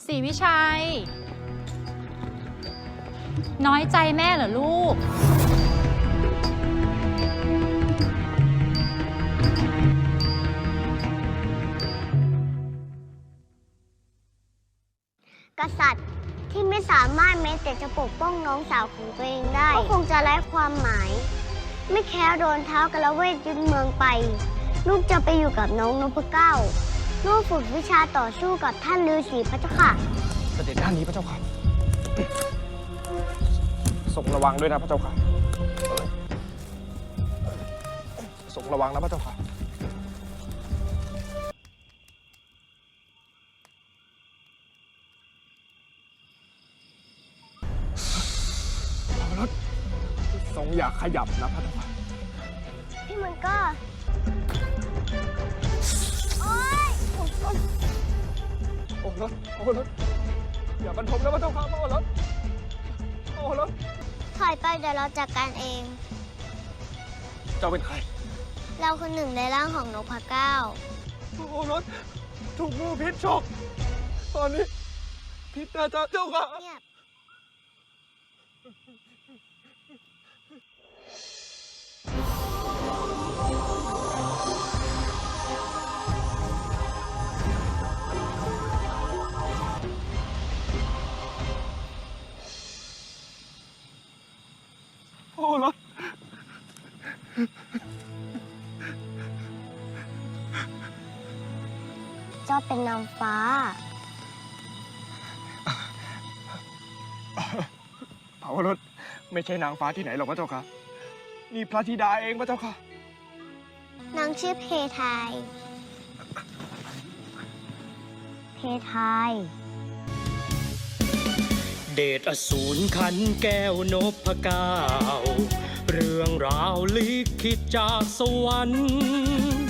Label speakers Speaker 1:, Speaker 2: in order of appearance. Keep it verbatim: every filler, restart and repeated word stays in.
Speaker 1: ศรีวิชัย น้อยใจแม่เหรอลูก
Speaker 2: กษัตริย์ที่ไม่สามารถแม้แต่จะปกป้องน้องสาวของตัวเองได้ก็คงจะไร้ความหมาย ไม่แค่โดนเท้ากระเวทยึดเมืองไปลูกจะไปอยู่กับน้องนพเก้าลูกฝึกวิชาต่อสู้กับท่านฤาษีพระเจ้าค่ะ
Speaker 3: เสด็จด้านนี้พระเจ้าค่ะทรงระวังด้วยนะพระเจ้าค่ะทรงระวังนะพระเจ้าค่ะรถทรงอย่าขยับนะพระเจ้าค่ะ
Speaker 2: พี่มันก็โอ๊ย
Speaker 3: โอ้รถโอ้รถอย่าบรรทมนะพระเจ้าค่ะโอ้รถโอ้รถ
Speaker 2: ถอยไปเดี๋ยวเราจัดการเอง
Speaker 3: เจ้าเป็นใคร
Speaker 2: เราคือหนึ่งในร่างของนพเก้า
Speaker 3: โอ้รถถูกงูพิษฉกตอนนี้พิษนะจ๊ะเจ้าค่ะ
Speaker 2: เงียบ
Speaker 3: โอ้รถ
Speaker 2: เจ้าเป็นนางฟ้า
Speaker 3: เผารถไม่ใช่นางฟ้าที่ไหนหรอกพระเจ้าค่ะนี่พระธิดาเองพระเจ้าค่ะ
Speaker 2: นางชื่อเพทายเพทาย
Speaker 4: เดชอสูรขันแก้วนพเก้าเรื่องราวลิขิตจากสวรรค์